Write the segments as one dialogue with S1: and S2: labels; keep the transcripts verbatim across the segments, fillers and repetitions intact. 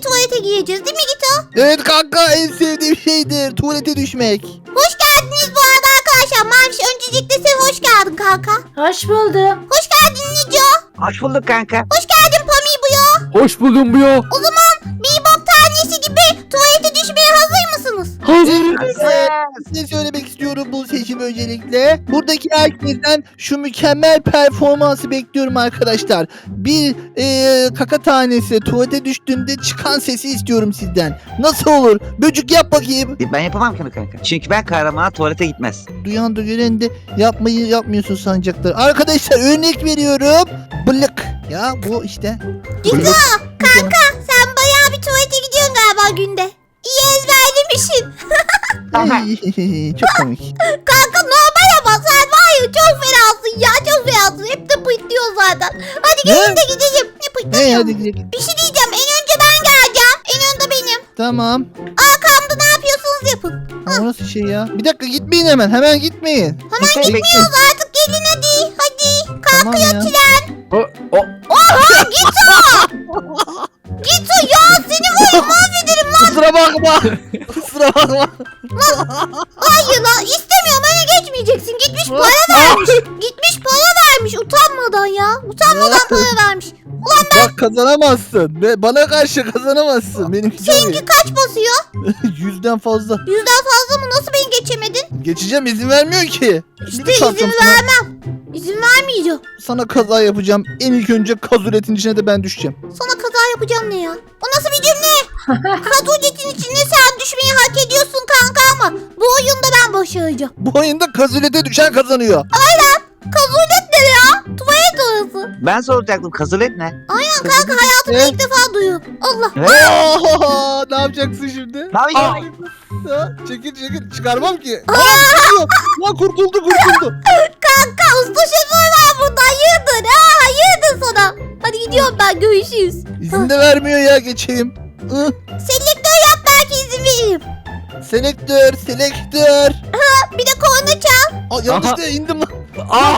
S1: tuvalete gireceğiz değil mi Gito?
S2: Evet kanka, en sevdiğim şeydir tuvalete düşmek.
S1: Hoş geldiniz bu arada arkadaşlar. Maviş öncelikle sen hoş geldin kanka.
S3: Hoş buldum.
S1: Hoş geldin Nico.
S4: Hoş bulduk kanka.
S1: Hoş geldin Pami bu ya.
S5: Hoş buldum bu ya.
S1: O zaman bir bok tanesi gibi tuvalete düşmeye hazır mısınız?
S5: Hazır.
S2: Size söylemek istiyorum bu seçim öncelikle. Buradaki herkesten şu mükemmel performansı bekliyorum arkadaşlar. Bir e, kaka tanesi tuvalete düştüğünde çıkan sesi istiyorum sizden. Nasıl olur? Böcük yap bakayım.
S4: Ben yapamam ki onu kanka. Çünkü ben kahramana tuvalete gitmez.
S2: Duyan da gören de yapmayı yapmıyorsun sanacaklar. Arkadaşlar örnek veriyorum. Blık. Ya bu işte.
S1: Gito kanka sen bayağı bir tuvalete gidiyorsun galiba günde. İyi ezberlemişsin.
S2: Ay, çok komik.
S1: Kanka normal ama sen var ya çok fenasın ya çok fenasın. Hep de pıtlıyor zaten. Hadi gelin
S2: Ne?
S1: de gidelim. Ne
S2: Hey
S1: pıtlıyor?
S2: hadi gidelim.
S1: Bir şey diyeceğim. En önce ben geleceğim. En önde benim.
S2: Tamam.
S1: Arkamda ne yapıyorsunuz yapın.
S2: Ha, o nasıl şey ya? Bir dakika gitmeyin hemen. Hemen gitmeyin.
S1: Hemen gitmiyoruz artık gelin hadi. Hadi.
S2: Tamam ya.
S5: O, o.
S1: Oha Gito. Gito ya seni var ya mahvederim lan.
S2: Kusura bakma. Kusura bakma.
S1: Hayır lan istemiyorum öne geçmeyeceksin. Gitmiş para vermiş. Gitmiş para vermiş utanmadan ya. Utanmadan para vermiş.
S2: Bak kazanamazsın. Be- Bana karşı kazanamazsın. Benim
S1: Seninki kaç basıyor?
S2: Yüzden fazla.
S1: Yüzden fazla mı? Nasıl beni geçemedin?
S2: Geçeceğim, izin vermiyor ki.
S1: İşte
S2: Bir çarptım
S1: izin
S2: sana.
S1: vermem. İzin vermeyeceğim.
S2: Sana kaza yapacağım. En ilk önce kazuletin içine de ben düşeceğim.
S1: Sana kaza yapacağım ne ya? O nasıl bir cümle? Kazuletin içinde sen düşmeyi hak ediyorsun kanka ama bu oyunda ben başaracağım.
S2: Bu oyunda kazulete düşen kazanıyor.
S1: Kazulet ne ya? Tuvalet orası.
S4: Ben soracaktım kazulet ne?
S1: Aynen kanka hayatımda ilk defa duyuyorum. Allah.
S2: Oo, ne yapacaksın şimdi?
S4: Ne yapacağım?
S2: Ha, çekil çekil. Çıkarmam ki. Aa, çıkıyor. Lan kurtuldu kurtuldu.
S1: Kanka usta şoför var burada. Hayırdır ha? Hayırdır sana. Hadi gidiyorum ben görüşürüz.
S2: İzin de vermiyor ya, geçeyim. Ih,
S1: Selektör yap belki izin veririm.
S2: Selektör, selektör.
S1: Bir de korna çal.
S2: Aa, yanlışlıkla indim lan.
S5: Aa.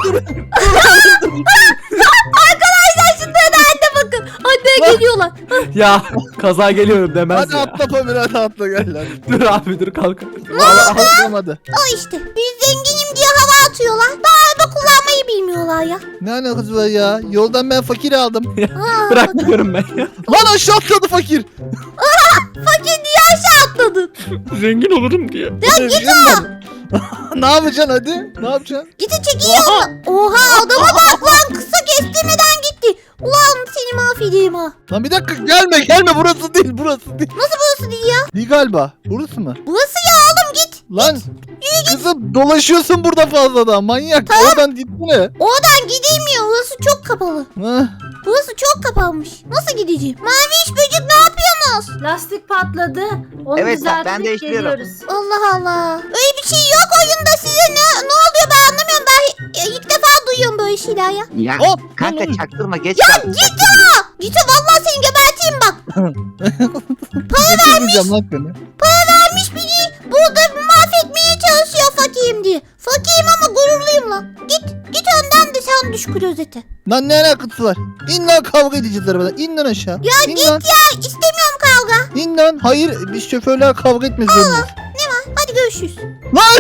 S1: Arkadaşlar şunlara anne bakın. Anneye geliyorlar.
S5: Ya kaza geliyorum demez
S2: Hadi
S5: ya.
S2: atla Pamir, hadi atla gel lan.
S5: Dur abi dur kalk.
S2: Valla atlamadı.
S1: O işte. Biz zenginim diye hava atıyorlar. Daha araba kullanmayı bilmiyorlar ya.
S2: Ne alakası var ya? Yoldan ben fakir aldım.
S1: Aa,
S5: Bırak diyorum ben ya.
S2: Lan aşağı atladı fakir.
S1: fakir diye aşağı atladın.
S5: Zengin olurum diye.
S2: Ya git Ne yapacaksın hadi? Ne yapacaksın?
S1: Gidin çekiyor. Oha adama bak lan kısa kestirmeden gitti. Ulan seni mahvedeyim ha.
S2: Lan bir dakika, gelme gelme, burası değil burası değil.
S1: Nasıl burası değil ya?
S2: Değil galiba. Burası mı?
S1: Burası ya oğlum git.
S2: Lan kızım dolaşıyorsun burada fazladan, manyak. Oradan gitsene.
S1: Oradan gidilmiyor. Burası çok kapalı.
S2: Hah.
S1: Burası çok kapanmış. Nasıl gideceğim? Mavi iş böcek ne yapıyorsunuz?
S3: Lastik patladı. Onu
S4: Evet, ben
S3: düzeltip
S4: değiştiriyorum.
S3: geliyoruz.
S1: Allah Allah. Öyle bir şey yok oyunda size ne, ne oluyor ben anlamıyorum. Ben hi- ilk defa duyuyorum böyle şeyler ya.
S4: Ya
S2: Oh,
S4: kanka
S2: lan.
S4: çaktırma geç
S1: Ya
S4: kaldık.
S1: git ya. Git vallahi seni geberteyim bak.
S2: Getirmeyeceğim lan seni.
S1: Vermiş beni burada mahvetmeye çalışıyor fakirim diye. Fakirim ama gururluyum lan. Git git önden de sen düş klozete.
S2: Lan ne alakası var? İn lan, kavga edeceğiz arabadan. İn lan aşağı.
S1: Ya
S2: İn
S1: git
S2: lan.
S1: ya istemiyorum kavga.
S2: İn lan. Hayır, biz şoförler kavga etmek zorundayız.
S1: Ne var? Hadi görüşürüz.
S2: Lan!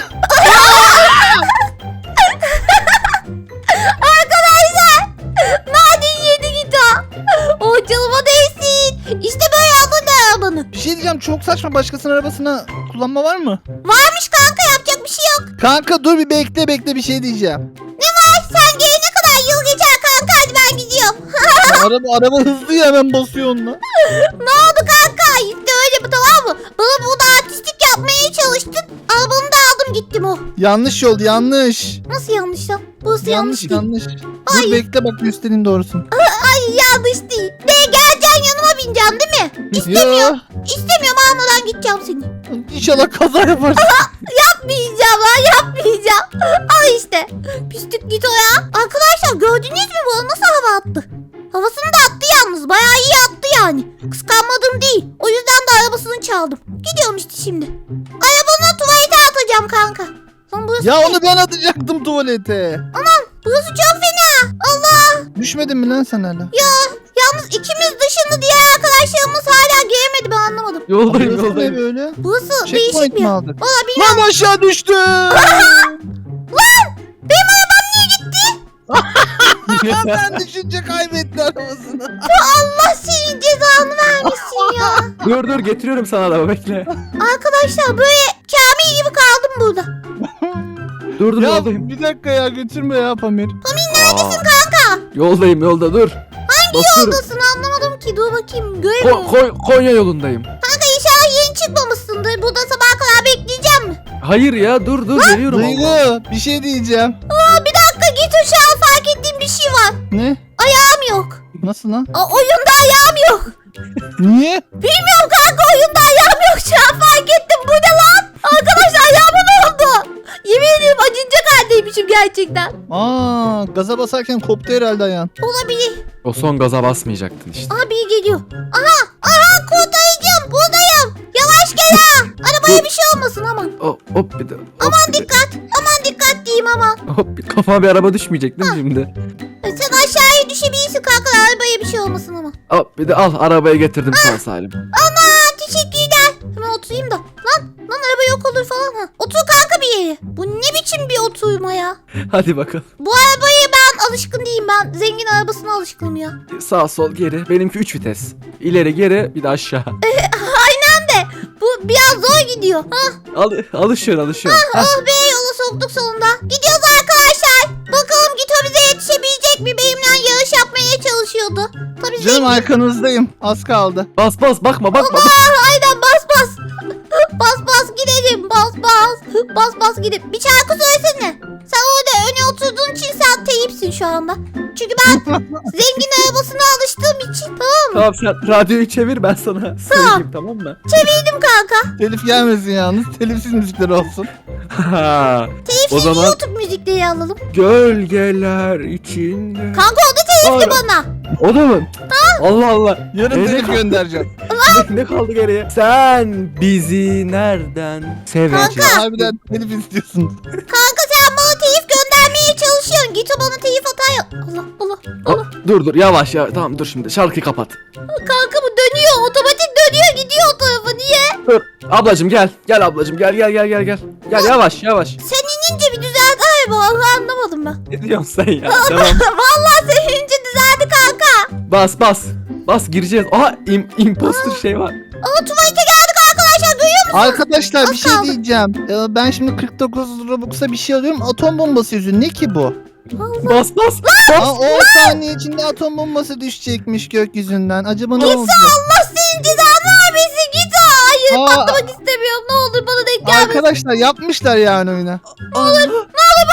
S1: Arkadaşlar maden yedi git ha. O canıma değsin. İşte böyle aldın da arabanı.
S2: Bir şey diyeceğim, çok saçma, başkasının arabasına kullanma var mı?
S1: Varmış kanka yapacak bir şey yok.
S2: Kanka dur bir bekle bekle, bir şey diyeceğim.
S1: Ne var? Sen gelene kadar yıl geçer kanka hadi ben gidiyorum.
S2: Ya araba araba hızlı ya, hemen basıyor onunla.
S1: Ne oldu kanka? İşte öyle bu tamam mı? Bana burada artistik yapmaya çalıştın. Arabanı da aldım gittim o.
S2: Yanlış yol, yanlış.
S1: Nasıl yanlış lan? Burası yanlış,
S2: Yanlış
S1: değil.
S2: yanlış.
S1: Hayır.
S2: Dur bekle, bak göstereyim doğrusunu.
S1: Ay yanlış değil. Ne geleceksin yanıma bineceksin değil mi? İstemiyorum. İstemiyorum almadan gideceğim seni.
S2: İnşallah kaza yaparsın.
S1: Yapmayacağım lan yapmayacağım. Al işte. Pislik git o ya. Arkadaşlar gördünüz mü bu nasıl hava attı? Havasını da attı yalnız. Bayağı iyi attı yani. Kıskanmadım değil. O yüzden de arabasını çaldım. Gidiyorum işte şimdi. Arabanı tuvalete atacağım kanka. Lan burası
S2: Ya
S1: ne?
S2: onu ben atacaktım tuvalete.
S1: Burası çok fena. Allah.
S2: Düşmedin mi lan sen hala?
S1: Ya yalnız ikimiz dışında diğer arkadaşlarımız hala giremedi
S5: Yoldayım
S2: Burası ne
S5: yoldayım.
S2: böyle?
S1: Burası değişik
S2: Checkpoint
S1: bir
S2: mi
S1: yer.
S2: aldık?
S1: Valla bilmiyorum.
S2: Lan aşağı düştü.
S1: Benim arabam niye gitti?
S2: Ben düşünce kaybetti arabasını.
S1: Allah senin cezanı vermesin ya.
S5: Dur dur getiriyorum sana araba bekle.
S1: Arkadaşlar böyle Kamil gibi kaldım burada.
S5: Dur dur
S2: Ya
S5: yoldayım.
S2: bir dakika ya götürme ya Pamir.
S5: Neredesin kanka? Yoldayım yolda dur.
S1: Hangi
S5: Basıyorum.
S1: yoldasın anlamadım ki. Dur bakayım göremiyorum.
S5: Ko- Ko- Konya yolundayım.
S1: Kanka inşallah yeni çıkmamışsındır. Burada sabaha kadar bekleyeceğim mi?
S5: Hayır ya dur dur geliyorum.
S2: Duygu bir şey diyeceğim.
S1: Aa, bir dakika git şu an fark ettiğim bir şey var.
S2: Ne?
S1: Ayağım yok.
S2: Nasıl lan?
S1: Aa, oyunda ayağım yok.
S2: Niye?
S1: Bilmiyorum kanka oyunda ayağım yok. Şu an fark ettim. Bu ne lan? Arkadaşlar ayağıma ne oldu? Yemin ederim acınacak haldeymişim gerçekten.
S2: Aa, gaza basarken koptu herhalde ayağın.
S1: Olabilir.
S5: O son gaza basmayacaktın işte.
S1: Aha biri geliyor. Aha aha kurtarıcım buradayım. Yavaş gel ha. Arabaya bir şey olmasın aman.
S5: Hop hop bir de. Hop,
S1: Aman
S5: bir de-
S1: dikkat. Aman dikkat diyeyim aman.
S5: Hop bir kafama bir araba düşmeyecek değil mi şimdi?
S1: Sen aşağıya düşebilirsin kanka. Arabaya bir şey olmasın ama.
S5: Hop bir de al arabayı getirdim sağ salim.
S1: Ana teşekkürler. Hemen oturayım da. Lan lan araba yok olur falan ha. Otur kanka bir yere. Bu ne biçim bir oturma ya.
S5: Hadi bakalım.
S1: Bu arabayı ben alışkın değilim. Ben zengin arabasına alışkınım ya.
S5: Sağ sol geri. Benimki üç vites. İleri geri bir de aşağı.
S1: Aynen de. Bu biraz zor gidiyor. Hah.
S5: Al, alışıyorsun alışıyorsun. Heh.
S1: Oh be yola soktuk sonunda. Gidiyoruz arkadaşlar. Bakalım Gito bize yetişebilecek mi? Benimle yarış yapmaya çalışıyordu. Tabii
S2: Canım
S1: zengin.
S2: arkanızdayım. Az kaldı.
S5: Bas bas bakma bakma.
S1: Aa, aynen bas bas. Bas bas gidelim. Bas bas. Bas bas gidelim. Bir şarkı söylesene. Sen orada öne oturduğun için sen teyipsin şu anda. Çünkü ben zengin arabasına alıştığım için. Tamam mı?
S5: Tamam sen radyoyu çevir ben sana söyleyeyim tamam mı?
S1: Çevirdim kanka.
S2: Telif gelmesin yalnız. Telifsiz müzikler olsun.
S1: Telifsiz
S5: O zaman-
S1: YouTube müzikleri alalım.
S5: Gölgeler içinde.
S1: Kanka o da telifli
S5: Aa.
S1: bana.
S5: O da mı? Allah Allah.
S2: Yarın
S5: Ee,
S2: telif
S5: ne-
S2: göndereceğim.
S5: ne, ne kaldı geriye? Sen bizi nereden seveceksin?
S2: Harbiden telif istiyorsun.
S1: Kanka sen bana telif göndermeye çalışıyorsun. Git o bana telif atar ya. Allah Allah Allah.
S5: Aa, dur dur yavaş ya tamam dur şimdi şarkıyı kapat.
S1: Kanka bu dönüyor. Otomatik dönüyor gidiyor o tarafa. Niye?
S5: Dur ablacım gel gel ablacım gel gel gel gel gel. Gel yavaş yavaş.
S1: Sen inince bir düzeldi araba. Vallahi anlamadım ben.
S5: Ne diyorsun sen ya? Tamam.
S1: Vallahi sen inince düzeldi kanka.
S5: Bas bas. Bas gireceğiz. Aha im, imposter şey var.
S1: Aa tuvalete geldik arkadaşlar. Görüyor musun?
S2: Arkadaşlar bir
S1: Az
S2: şey
S1: kaldı.
S2: diyeceğim. Ee, Ben şimdi kırk dokuz Robux'a bir şey alıyorum. Atom bombası yüzü. Ne ki bu?
S1: Allah.
S5: Bas bas.
S2: Aa, on saniye içinde atom bombası düşecekmiş gökyüzünden. Acaba ne olacak?
S1: Allah senin cezanı vermesin. Git. Hayır
S2: Aa.
S1: patlamak istemiyorum. Ne olur bana denk gelmesin.
S2: Arkadaşlar yapmışlar yani oyuna.
S5: Olur.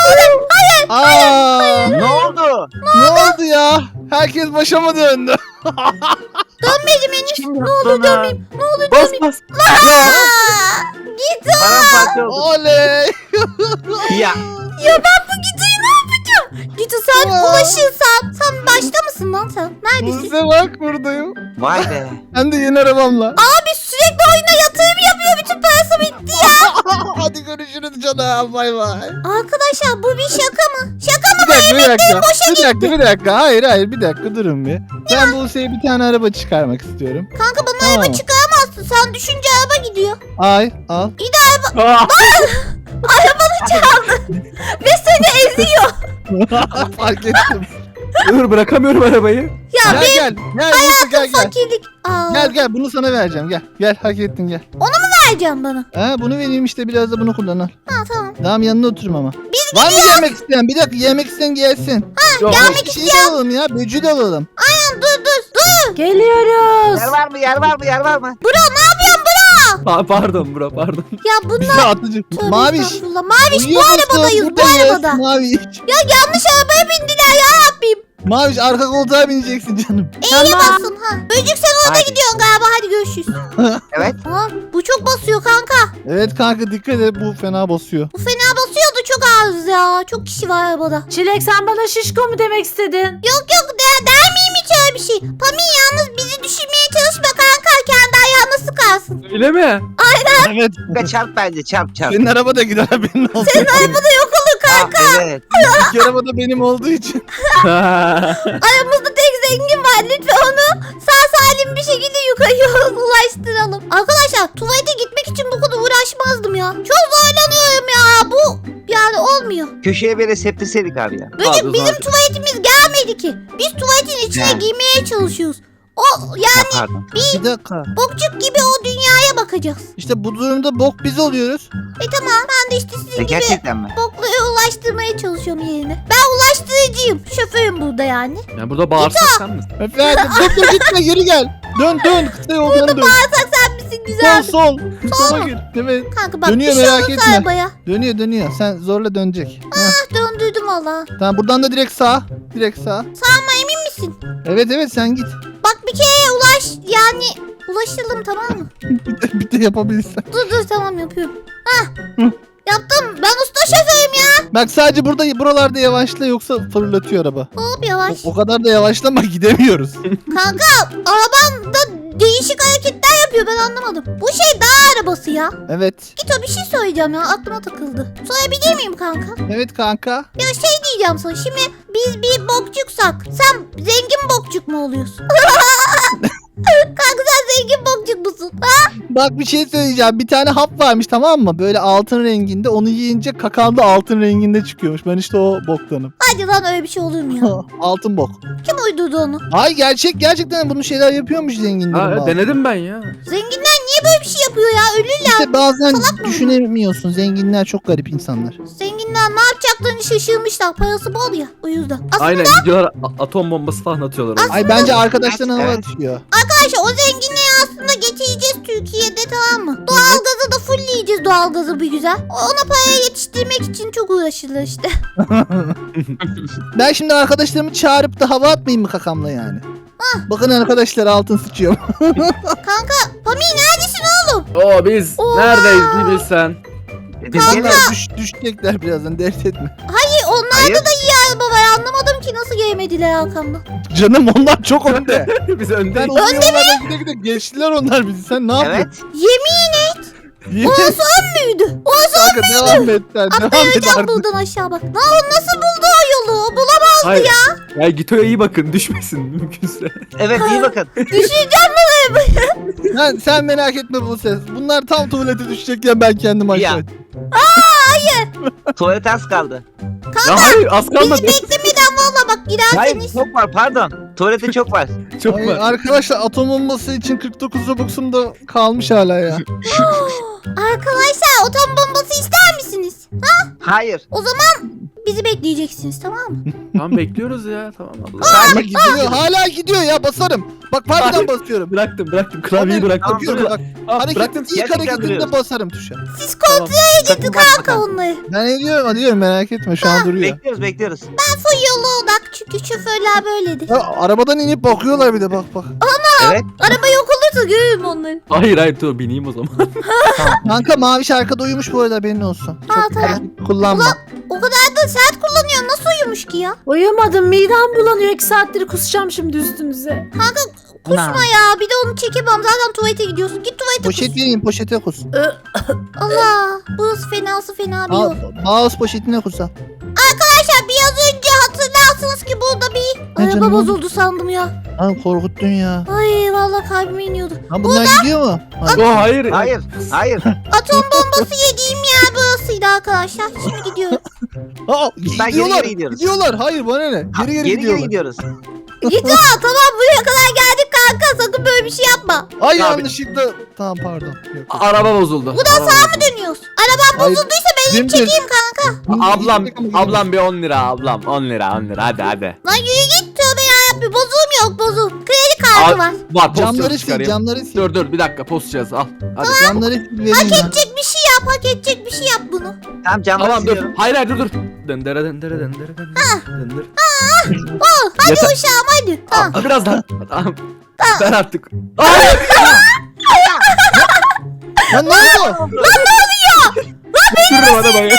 S2: Aa,
S4: Ne oldu?
S2: ne oldu ya? Herkes başa mı döndü?
S1: Dönmedim henüz.
S4: Kim
S1: Ne
S4: yaptı
S1: olur
S4: onu?
S1: dönmeyeyim. Ne olur
S5: Bas
S1: dönmeyeyim.
S5: bas.
S1: Aa, Git.
S4: Paramparça oldu.
S2: Oley!
S4: Ya
S1: Ya ben bu Gito'yu ne yapacağım? Gito sen
S2: Aa.
S1: ulaşırsan. Sen başta mısın lan sen? Neredesin?
S2: Buse bak buradayım.
S4: vay be.
S1: Hani
S2: Hem de yeni arabamla.
S1: Abi sürekli oyuna yatırım yapıyor. Bütün parası bitti ya.
S2: Hadi görüşürüz canım. Bay bay.
S1: Arkadaşlar bu bir şaka mı? Şaka mı?
S2: Bir dakika, bir dakika.
S1: boşa
S2: Bir dakika, bir dakika. Hayır, hayır. Bir dakika durun bir. Ben Buse'ye bir tane araba çıkarmak istiyorum.
S1: Kanka bana
S2: Tamam.
S1: araba çıkaramazsın. Sen düşünce araba gidiyor.
S2: Ay, al.
S5: Aa,
S1: Arabanı çaldı. Ve seni eziyor.
S2: Fark ettim.
S5: dur bırakamıyorum arabayı.
S1: Ya
S2: Gel
S1: benim
S2: gel. Gel Buse gel gel.
S1: fakirlik. Aa,
S2: Gel gel bunu sana vereceğim gel. Gel hak ettin gel.
S1: vereceğim bana.
S2: Ha bunu vereyim işte biraz da bunu kullan al.
S1: Ha tamam.
S2: Tamam yanına oturum ama. Var mı yemek isteyen? Bir dakika yemek isteyen gelsin.
S5: Yok,
S2: Yemek bir şey de alalım ya. Böcü de alalım.
S1: Aynen dur dur dur.
S3: Geliyoruz.
S4: Yer var mı? Yer var mı? Yer var mı?
S1: Bro ne yapıyorsun bro?
S5: pa- pardon bro pardon.
S1: Ya bunlar...
S2: Atıcı.
S1: Tövbe
S2: Maviş.
S1: estağfurullah. Maviş bu
S2: Uyuyor musun?
S1: arabadayız bu
S2: Buradayız.
S1: arabada.
S2: Maviş.
S1: Ya yanlış arabaya bindiler ya Rabbim.
S2: Maviş arka koltuğa bineceksin canım.
S1: E'ye basın ha. Böcük sen orada
S4: Haydi.
S1: gidiyorsun galiba hadi görüşürüz.
S4: Evet.
S1: Ha, bu çok basıyor kanka.
S2: Evet kanka dikkat et bu fena basıyor.
S1: Bu fena basıyordu çok az ya. Çok kişi var arabada.
S3: Çilek sen bana şişko mu demek istedin?
S1: Yok yok der, der miyim hiç öyle bir şey. Pami yalnız bizi düşürmeye çalışma kanka. Kendi ayağına sıkarsın.
S5: Öyle mi?
S2: Evet.
S4: Kanka çarp bence çarp çarp.
S2: Senin araba da gider benim oldu.
S1: Senin arabada yok olur kanka.
S4: Ah, evet.
S2: İlk araba da benim olduğu için.
S1: Aramızda tek zengin var. Lütfen onu sağ salim bir şekilde yukarıya ulaştıralım. Arkadaşlar tuvalete gitmek için bu kadar uğraşmazdım ya. Çok zorlanıyorum ya. Bu yani olmuyor.
S4: Köşeye böyle septirseydik abi ya.
S1: Böcek
S5: Abi,
S1: bizim
S5: zaten-
S1: tuvaletimiz gelmedi ki. Biz tuvaletin içine
S4: Ya.
S1: girmeye çalışıyoruz. O
S4: Ya
S1: yani
S4: pardon.
S2: Bir dakika.
S1: bokçuk gibi o dünyaya bakacağız.
S2: İşte bu durumda bok biz oluyoruz.
S1: E tamam ben de işte sizin
S4: E,
S1: gibi
S4: gerçekten mi?
S1: boklara ulaştırmaya çalışıyorum yerine. Ben ulaştırıcıyım. Şoförüm burada yani.
S5: Yani burada bağırsak sen misin?
S2: Efendim dur dur gitme geri gel. Dön dön kısa yoldan dön.
S1: Bağırsak sen misin
S2: Sol
S1: güzel?
S2: sol.
S1: Sol
S2: Sola
S1: mu?
S2: gir. Evet.
S1: Kanka bak
S2: Dönüyor,
S1: bir şey
S2: merak
S1: olursa
S2: etme.
S1: arabaya.
S2: Dönüyor dönüyor. Sen zorla dönecek. Heh.
S1: Ah döndürdüm valla.
S2: Tamam buradan da direkt sağ. Direkt sağ.
S1: Ama emin misin?
S2: Evet evet sen git.
S1: Bak bir kere ulaş yani ulaşalım tamam mı?
S2: Bir de, bir de yapabilirsen.
S1: Dur dur tamam yapıyorum. Hah. Yaptım. Ben usta şoförüm ya.
S2: Bak sadece burada buralarda yavaşla yoksa fırlatıyor araba.
S1: Hop
S2: O,
S1: yavaş.
S2: o kadar da yavaşlama gidemiyoruz.
S1: Kanka arabam da değişik hareketler yapıyor ben anlamadım. Bu şey dağ arabası ya.
S2: Evet.
S1: Git o bir şey söyleyeceğim ya aklıma takıldı. Sorabilir miyim kanka?
S2: Evet kanka.
S1: Ya şey diyeceğim sana şimdi biz bir bokçuksak sen zengin bokçuk mu oluyorsun? Kanka sen zengin bokçuk musun? Ha?
S2: Bak bir şey söyleyeceğim. Bir tane hap varmış tamam mı? Böyle altın renginde. Onu yiyince kakan da altın renginde çıkıyormuş. Ben işte o boktanım.
S1: Hadi lan öyle bir şey olur mu ya?
S2: Altın bok.
S1: Kim uydurdu onu?
S2: Ay gerçek gerçekten bunu şeyler yapıyormuş zenginlerin.
S5: Ha,
S2: bazı.
S5: denedim ben ya.
S1: Zenginler niye böyle bir şey yapıyor ya? Ölürler.
S2: İşte bazen
S1: Salak mı?
S2: düşünemiyorsun. Zenginler çok garip insanlar.
S1: Zenginler ne yapacaklarını şaşırmışlar. Parası bol ya o yüzden. Aslında
S5: Aynen gidiyorlar a- atom bombası falan atıyorlar. oraya.
S2: Ay bence arkadaşlarına hava
S4: Evet.
S2: atıyor.
S1: arkadaşlar o zenginliği aslında getireceğiz Türkiye'de tamam mı? Doğalgazı da fullleyeceğiz doğalgazı bir güzel. Ona parayı yetiştirmek için çok uğraşılır işte.
S2: Ben şimdi arkadaşlarımı çağırıp da hava atmayayım mı kakamla yani? Bakın arkadaşlar altın sıçıyor.
S1: Kanka Pami neredesin oğlum?
S5: Oo biz
S1: Oha!
S5: neredeyiz bir bilsen.
S4: Biz
S2: Onlar
S4: gene
S2: düş, düşecekler birazdan dert etme.
S1: Hayır onlarda
S4: Hayır.
S1: da iyi araba var anlamadım ki nasıl gelmediler arkamdan.
S2: Canım onlar çok önde.
S5: biz
S2: Ben
S5: öndeyiz.
S2: uzun yollarda gide gide geçtiler onlar bizi. Sen ne yapıyorsun?
S4: evet.
S1: Yemin et
S2: Yemin
S1: orası ön müydü? Orası
S2: Kanka devam et sen. Devam et
S1: atlayacağım
S2: artık.
S1: buradan aşağı bak. Lan o nasıl buldu o yolu? O bulamaz
S5: Hayır. Ya Gito'ya iyi bakın düşmesin mümkünse.
S4: Evet iyi bakın.
S1: düşeceğim bunu.
S2: Sen, sen merak etme bu ses. Bunlar tam tuvalete düşecekken ben kendim
S4: Ya.
S2: aşağı.
S4: Tuvalet az kaldı.
S5: Ya hayır az kalmadı.
S1: Bizi beklemeden valla bak
S4: Hayır
S1: girerseniz.
S4: çok var pardon. Tuvalete çok var.
S5: Çok
S2: Ay,
S5: var.
S2: arkadaşlar atom bombası için kırk dokuz Robux'um da kalmış hala ya.
S1: Arkadaşlar atom bombası ister misiniz?
S4: Hayır.
S1: O zaman bizi bekleyeceksiniz tamam mı?
S5: Tamam bekliyoruz ya tamam Allah.
S2: Hala
S4: Sadece
S2: gidiyor, hala gidiyor ya basarım. Bak harbiden basıyorum.
S5: Bıraktım bıraktım klavyeyi bıraktım.
S2: Bakıyorum bak.
S5: Aa,
S2: Hareket,
S5: bıraktım.
S2: ilk
S4: Gerçekten
S2: hareketinde
S4: duruyoruz.
S2: basarım tuşa.
S1: Siz kontrol
S4: Sakın
S1: edin
S4: bakma
S1: kanka onları.
S2: Ben ediyorum, ediyorum merak etme şu an duruyor.
S4: Bekliyoruz bekliyoruz.
S1: Ben full yola odak çünkü şoförler böyledir.
S2: Ya, arabadan inip bakıyorlar bir de bak bak.
S4: Evet.
S1: Araba yok olursa görürüm onları.
S5: Hayır hayır dur bineyim o zaman.
S2: Kanka maviş arkada uyumuş bu arada haberin olsun.
S1: Ha,
S2: Çok
S1: tamam.
S2: hareket kullanma.
S1: O kadar da sert kullanıyor nasıl uyumuş ki ya?
S3: Uyumadım midem bulanıyor. iki saattir kusacağım şimdi üstünüze.
S1: Kanka kusma ya bir de onu çekemem zaten tuvalete gidiyorsun. Git tuvalete kus.
S2: Poşet vereyim poşete kus.
S1: Allah burası fenası fena bir
S2: Al,
S1: yol.
S2: mouse poşetine kus al.
S1: Arkadaşlar biraz önce hatırlarsınız ki burada bir
S2: Ne
S1: araba
S2: canım?
S1: bozuldu sandım ya.
S2: Lan korkuttun ya.
S1: Ay vallahi kalbime iniyordu.
S2: Lan bunlar gidiyor mu? Ay,
S5: Yo hayır.
S4: Hayır. Hayır.
S1: Atom bombası yediğim yer burasıydı arkadaşlar. Şimdi gidiyoruz.
S2: Aa,
S4: Ben geri
S2: gidiyorlar.
S4: geri gidiyoruz.
S2: Gidiyorlar. Hayır bana ne? Geri geri,
S4: Geri geri
S2: gidiyorlar.
S4: gidiyoruz.
S1: Git ya tamam buraya kadar geldik kanka sakın böyle bir şey yapma.
S2: Ay
S5: Abi.
S2: yanlışlıkla. Tamam pardon. Yok, yok.
S5: Araba bozuldu.
S1: Buradan
S5: Araba
S1: sağa mı dönüyoruz? Arabam
S2: Hayır.
S1: bozulduysa ben inip
S2: Dümdüz.
S1: çekeyim kanka.
S5: bozuldu. Ablam
S2: Gitmek ama
S5: ablam bir on lira ablam on lira on lira hadi hadi.
S1: Lan yürü git tövbe yarabbim bozum yok bozum. Kredi kartı
S5: Al.
S1: var.
S5: Var post
S2: Camları
S5: cihazı
S2: sil,
S5: çıkarayım.
S2: camları sil.
S5: Dur dur bir dakika post cihazı al. Hadi.
S2: Camları sil vereyim
S1: Hak
S2: ben.
S1: edecek bir şey yap hak edecek bir şey yap bunu.
S4: Tamam camları
S5: Tamam dur.
S4: siliyorum.
S5: Hayır hayır dur dur. Döndere döndere döndere döndere.
S1: Oh, hadi
S5: Yeter.
S1: uşağım hadi. Tamam.
S5: Aa, biraz daha. Tamam. Ben artık.
S2: Lan ne oldu?
S5: Sürürüm arabayı.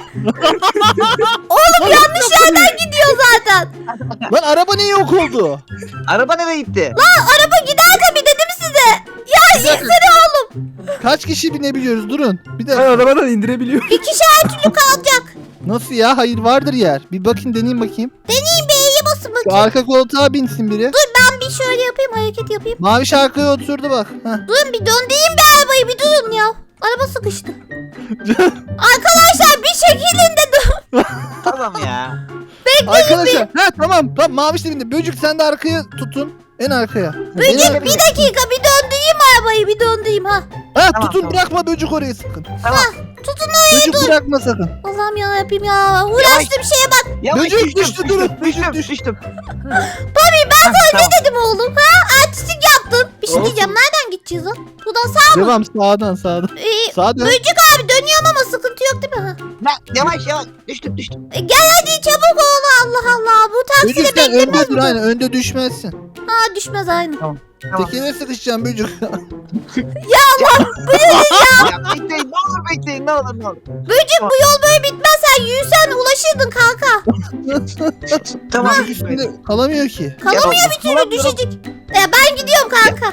S1: Oğlum yanlış yerden gidiyor zaten.
S2: Lan araba niye yok oldu?
S4: Araba nereye gitti?
S1: Araba gider tabii dedim size. Ya insene oğlum.
S2: Kaç kişi binebiliyoruz? Durun. Bir
S5: Ben
S2: de
S5: arabadan indirebiliyorum.
S1: Bir kişi her türlü kalacak.
S2: nasıl ya? Hayır vardır yer. Bir bakayım deneyeyim bakayım.
S1: Deneyin bir E'ye basın bakayım.
S2: Şu arka koltuğa binsin biri.
S1: Ben bir şöyle yapayım, hareket yapayım.
S2: Mavi şarkıya oturdu bak. Heh.
S1: Durun bir döndüreyim bir arabayı, bir durun ya. Araba sıkıştı. Arkadaşlar bir şekilde dur.
S4: Tamam ya.
S2: Arkadaşlar. Ha tamam. Tamam mavi de bindi. Böcük sen de arkaya tutun. En arkaya. En
S1: Böcük
S2: arkaya.
S1: bir dakika, bir döndüreyim arabayı, bir döndüreyim ha.
S2: Ha
S4: Tamam,
S2: tutun
S4: tamam.
S2: bırakma böcük orayı sakın.
S4: Tamam.
S1: Tutun
S2: Böcük bırakma sakın.
S1: Allah'ım ya yapayım ya. Uğraştığım şeye bak.
S4: Yavaş
S2: Böcek
S4: düştüm,
S2: düştü,
S4: düştüm,
S2: durun.
S4: Düştüm,
S2: Böcek
S4: düştüm.
S2: düştü.
S4: Tabii ben sana
S1: Ne dedim oğlum ha? Artistik yaptın. Bir şey
S5: Olsun.
S1: diyeceğim. Nereden gideceğiz lan? Buradan sağ mı?
S2: Devam sağdan sağdan.
S1: Ee,
S2: Sağdan.
S1: Böcük abi dönüyorum ama sıkıntı yok değil mi? Ha?
S4: Yavaş yavaş. Düştüm düştüm.
S1: E, gel hadi çabuk ol. Allah Allah. Bu taksi de
S2: Böcük sen önde
S1: beklemez
S2: dur
S1: mi?
S2: aynen. Önde düşmezsin.
S1: Ha düşmez aynı.
S4: Tamam.
S2: Tekere sıkışacağım böcük.
S4: Ya bekleyin ne olur bekleyin ne olur ne olur.
S1: Böcük bu yol böyle bitmez. Sen yürüsen ulaşırdın kanka.
S4: Tamam.
S2: Şimdi kalamıyor ki.
S1: Kalamıyor bir türlü düşecek. Ya ben gidiyorum kanka.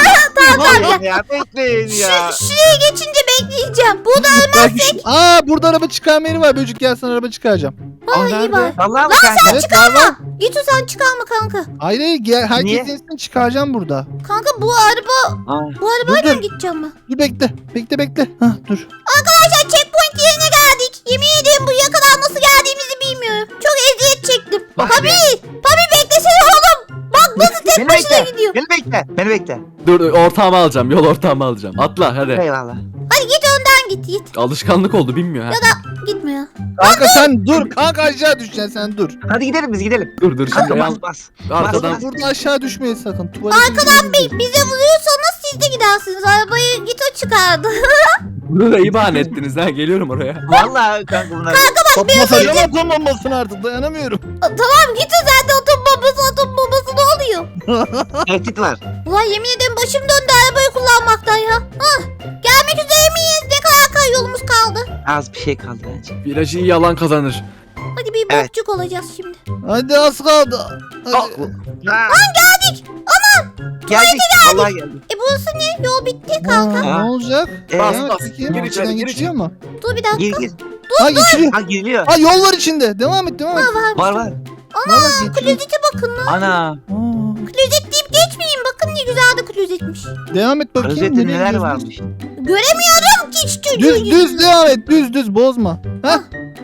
S4: Tamam ya bekleyin ya.
S1: Şu, şuraya geçince bekleyeceğim. Burada
S2: Bak, aa burada araba çıkarma yeri var. Böcük gel sana araba çıkaracağım.
S1: ha iyi
S5: nerede?
S1: bak.
S4: Vallahi mı kanka?
S2: Evet var var.
S1: Git o sen çıkarma kanka.
S2: Hayır hayır gel. Herkes
S4: Niye?
S2: insin çıkaracağım burada.
S1: Kanka bu araba
S4: Aa,
S1: bu arabayla
S2: dur.
S1: gideceğim ben.
S2: Dur bekle. Bekle bekle. Hah dur.
S1: Arkadaşlar checkpoint yerine geldik. Yemin ederim buraya kadar nasıl geldiğimizi bilmiyorum. Çok eziyet çektim.
S4: Bak
S1: Papi,
S4: be.
S1: Papi beklesene oğlum. Bak nasıl tek
S4: Beni
S1: başına
S4: bekle.
S1: gidiyor.
S4: Beni bekle. Beni bekle.
S5: Dur ortağımı alacağım. Yol ortağımı alacağım. Atla hadi.
S4: Eyvallah.
S1: Hadi git önden git git.
S5: Alışkanlık oldu bilmiyor ha.
S1: Gitme ya.
S2: Kanka sen dur. Kanka aşağı düşeceksin sen dur.
S4: Hadi gidelim biz gidelim.
S5: Dur dur şimdi
S4: Kanka
S5: ayağım-
S4: bas bas.
S5: arkadan
S4: Bas,
S2: Burada aşağı düşmeyin sakın. Tuvalete
S1: Arkadan
S2: gidelim.
S1: bir bize vuruyorsanız siz de gidersiniz. Arabayı git o çıkardı.
S5: bunu da iyi bahane ettiniz ha. Geliyorum oraya.
S4: Vallahi kanka bunlar.
S2: Patlatacağım atom bombasını artık dayanamıyorum.
S1: Tamam git o sen de atom bombası atom bombası ne oluyor?
S4: Tehdit var.
S1: Ulan yemin ederim başım döndü arabayı kullanmaktan ya. Hah. Gelmek üzere miyiz? Ne kadar kay yolumuz kaldı?
S4: Az bir şey kaldı bence.
S5: Virajı iyi alan kazanır.
S1: Hadi bir
S4: Evet.
S1: bokçuk olacağız şimdi.
S2: Hadi az kaldı. Hadi.
S4: Lan
S1: Geldik.
S4: geldik. Vallahi geldik.
S1: E burası ne? Yol bitti
S2: Aa,
S1: kanka.
S2: ne olacak?
S4: Ee,
S5: Bas,
S2: Ha,
S5: bas.
S2: peki,
S5: Gir içeri,
S2: içinden
S5: gir
S2: geçiyor mu?
S1: Dur bir dakika.
S4: Gir gir.
S2: Ha geçiriyor.
S4: Ha giriliyor.
S2: Ha yol var içinde. Devam et devam et.
S1: Ha, var.
S4: Var var.
S2: Valla geçiriyor.
S1: Klozete bakın lan.
S4: Ana.
S2: Aa,
S1: Klozet deyip geçmeyin. Bakın ne güzel de klozetmiş.
S2: Devam et bakayım.
S4: Rozette
S2: nereye
S4: neler
S2: gidiyorsun?
S4: varmış.
S1: Göremiyorum ki hiç çocuğu.
S2: Düz düz devam et. Düz düz bozma. Ha?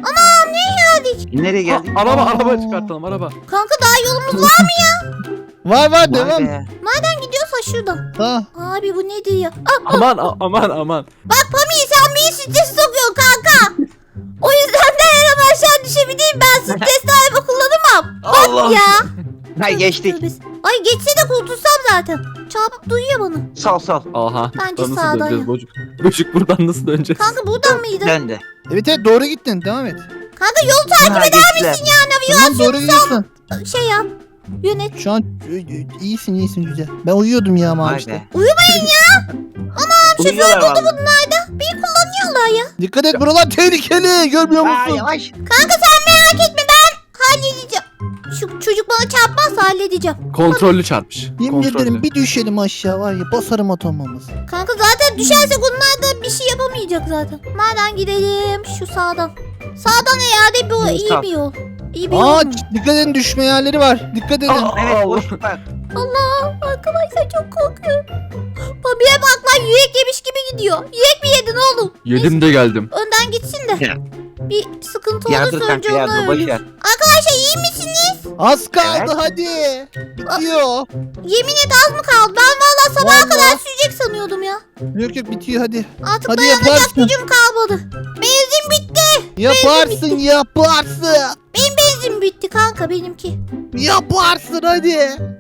S1: geldik.
S4: Nereye
S5: Ha,
S4: geldik?
S5: araba
S2: Aa.
S5: araba çıkartalım araba.
S1: Kanka daha yolumuz var mı?
S2: Var var
S4: Vay
S2: devam.
S4: be.
S1: Nereden gidiyorsa şuradan.
S2: Ha.
S1: Abi bu nedir ya? Ah,
S5: Aman a- aman aman.
S1: bak Pami sen beni strese sokuyorsun kanka. O yüzden de her an aşağı düşebileyim. Ben stresli araba kullanamam. Bak
S4: Allah.
S1: ya.
S4: Ha geçtik.
S1: Tövbe. Ay geçse de kurtulsam zaten. Çarpıp duyuyor bana.
S4: Sol sol.
S5: Aha.
S1: Bence
S5: Buradan
S1: sağdan
S5: nasıl döneceğiz
S1: ya.
S5: bocuk? Bocuk buradan nasıl döneceğiz?
S1: Kanka buradan mıydı?
S4: Döndü.
S2: Evet evet doğru gittin. Devam et.
S1: Kanka yolu takip
S4: Ha,
S1: eder
S4: geçtiler.
S1: misin ya?
S2: Tamam doğru gidiyorsun.
S1: Şey yap. Yönet.
S2: Şu an e, e, iyisin iyisin güzel. Ben uyuyordum ya mavi
S4: Vay
S2: işte.
S4: be.
S1: Uyumayın ya.
S4: Uyuyorlar vallahi.
S1: Bir kullanıyorlar ya.
S2: Dikkat et buralar tehlikeli. Görmüyor
S4: Ha
S2: musun?
S4: yavaş.
S1: Kanka sen merak etme ben halledeceğim. Şu çocuk bana çarpmazsa halledeceğim.
S5: Kontrollü çarpmış.
S2: Yemin
S5: Kontrollü.
S2: ederim bir düşelim aşağı var ya basarım atomamızı.
S1: Kanka zaten düşersek onlar da bir şey yapamayacak zaten. Nereden gidelim? Şu sağdan. Sağdan herhalde bu
S4: Evet,
S1: iyi
S4: sağ.
S1: bir yol. İyi bir
S2: Aa
S1: yol. mu?
S2: dikkat edin düşme yerleri var. Dikkat edin.
S5: Aa,
S4: Evet
S5: Allah.
S4: boşluk var.
S1: Allah arkadaşlar çok korkuyorum. Babiye bak lan yürek yemiş gibi gidiyor. Yürek mi yedin oğlum?
S5: Yedim de geldim.
S1: Önden gitsin de.
S4: Ya.
S1: Bir sıkıntı
S4: Yardır
S1: olursa önce
S4: kanka
S1: onlar
S4: yardır boş
S1: ölür.
S4: ver.
S1: Arkadaşlar iyi misiniz?
S2: Az kaldı
S4: Evet.
S2: hadi. Bitiyor.
S1: Yemin et az mı kaldı? Ben valla sabaha
S2: Vallahi.
S1: kadar sürecek sanıyordum ya.
S2: Yok yok bitiyor hadi.
S1: Artık
S2: Hadi
S1: dayanacak
S2: yaparsın.
S1: gücüm kalmadı. Benzin bitti.
S2: Yaparsın yaparsın.
S1: Benim benzin bitti kanka benimki.
S2: Yaparsın hadi.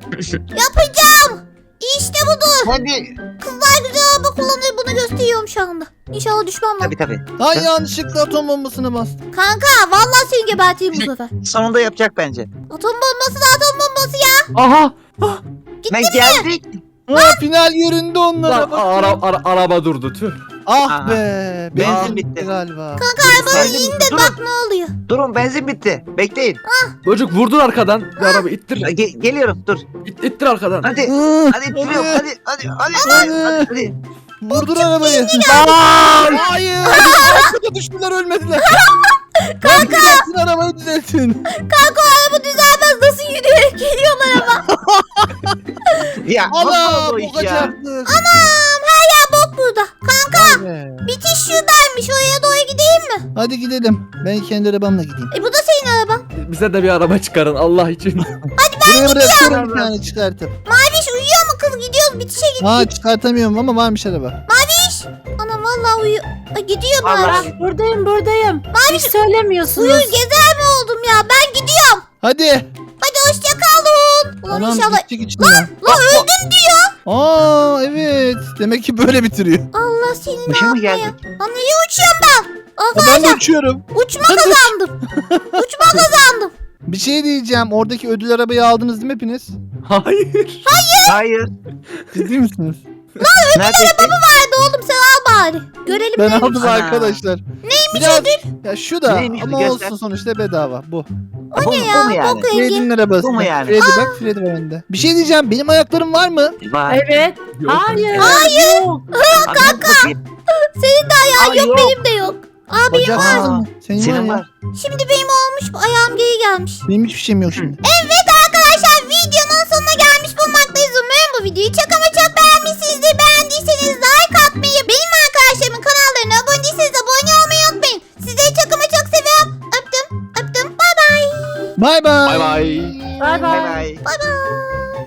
S1: Yapacağım. İşte budur.
S4: Hadi.
S1: Kızlar güzel araba kullanır bunu gösteriyorum şu anda. İnşallah düşmem lan.
S4: Tabii tabii.
S2: Ay yanlışlıkla atom bombasını bastım.
S1: Kanka vallahi seni geberteyim bu sefer.
S4: Sonunda yapacak bence.
S1: Atom bombası da atom bombası ya.
S5: Aha.
S4: Ne geldik?
S2: Ha, final yerinde onlara
S5: Lan
S2: bak.
S5: ara, ara, araba durdu tüh.
S2: Ah
S4: Aha.
S2: be.
S4: Benzin
S2: Benzin
S4: bitti.
S2: bitti galiba.
S1: Kanka arabanın
S4: Benzin-
S1: in de
S4: Durun.
S1: bak ne oluyor.
S4: Durun benzin bitti. Bekleyin.
S5: Bocuk vurdun arkadan. Bir araba ittir.
S4: Ge- geliyorum dur.
S5: İt, ittir arkadan.
S4: Hadi.
S2: Hı,
S4: Hadi ittiriyorum. Hadi hadi hadi.
S2: Hadi.
S4: Hadi. Hadi.
S2: Vurdur arabayı.
S5: Lan!
S2: Hayır. Arkada düştüler ölmediler. Kanka. Düzeltin arabayı düzeltin.
S1: Kanka o araba düzelmez nasıl yürüyerek geliyorlar ama.
S4: Ya
S2: Allah
S4: nasıl oldu
S2: bu
S4: iş ya?
S2: kaçaklık.
S1: Anam her yer bok burada. Kanka
S2: Vay be.
S1: bitiş şuradaymış, oraya doğru gideyim mi?
S2: Hadi gidelim. Ben kendi arabamla gideyim.
S1: E bu da senin araban.
S5: Bize de bir araba çıkarın Allah için.
S2: Buraya bırakıyorum bir tane çıkartıp.
S1: Maviş uyuyor mu kız? Gidiyoruz bitişe git.
S2: Aa çıkartamıyorum ama varmış araba.
S1: Maviş. Anam vallahi uyuyor. Ay, gidiyor
S4: Vallahi.
S1: Maviş.
S3: Ah, buradayım buradayım. Hiç söylemiyorsunuz.
S1: Uyur gezer mi oldum ya? Ben gidiyorum.
S2: Hadi.
S1: Hadi hoşça kalın. Ulan
S2: Anam
S1: inşallah.
S2: gidecek içinden.
S1: Lan öldüm diyor.
S2: Aa evet. Demek ki böyle bitiriyor.
S1: Allah seni ne
S4: Başa mı
S1: yapmaya.
S4: geldik?
S1: Lan nereye uçuyorum ben?
S2: Aa, ben de
S1: Arkadaşlar
S2: uçuyorum.
S1: uçma kazandım. Uçma kazandım.
S2: Bir şey diyeceğim. Oradaki ödül arabayı aldınız değil mi hepiniz?
S5: Hayır.
S4: Hayır.
S2: Ciddi misiniz?
S4: Neredesin?
S1: Hadi oğlum sen al bari. Görelim
S2: Ben
S1: neymiş.
S2: aldım
S4: Ana.
S2: arkadaşlar.
S1: Neymiş
S2: Biraz,
S1: ödül?
S2: ya şu da
S4: Neymiş
S2: ama
S4: bir göster.
S2: olsun sonuçta bedava bu.
S4: Bu,
S1: Ne
S4: bu
S1: ya?
S4: mu yani?
S1: Bok rengi.
S2: Freddy'nin arabası.
S4: Bu mu yani?
S2: Freddy bak Freddy var önünde. Bir şey diyeceğim. Benim ayaklarım var mı?
S4: Var.
S3: Evet.
S5: Yok.
S3: Hayır.
S1: Hayır.
S3: Yok.
S4: Kanka.
S1: Senin de ayağın
S4: Ay,
S1: yok,
S4: yok.
S1: benim de yok. Aa benim
S2: Bacak
S1: var.
S2: var mı? Senin,
S4: Senin
S2: var.
S4: var.
S2: Ya.
S1: Şimdi benim olmuş, bu ayağım geri gelmiş.
S2: Benim hiçbir şeyim yok şimdi.
S1: Evet arkadaşlar, videonun sonuna gelmiş bulunmaktayız. Umarım bu videoyu çok ama çok beğenmişsinizdir. Beğendiyseniz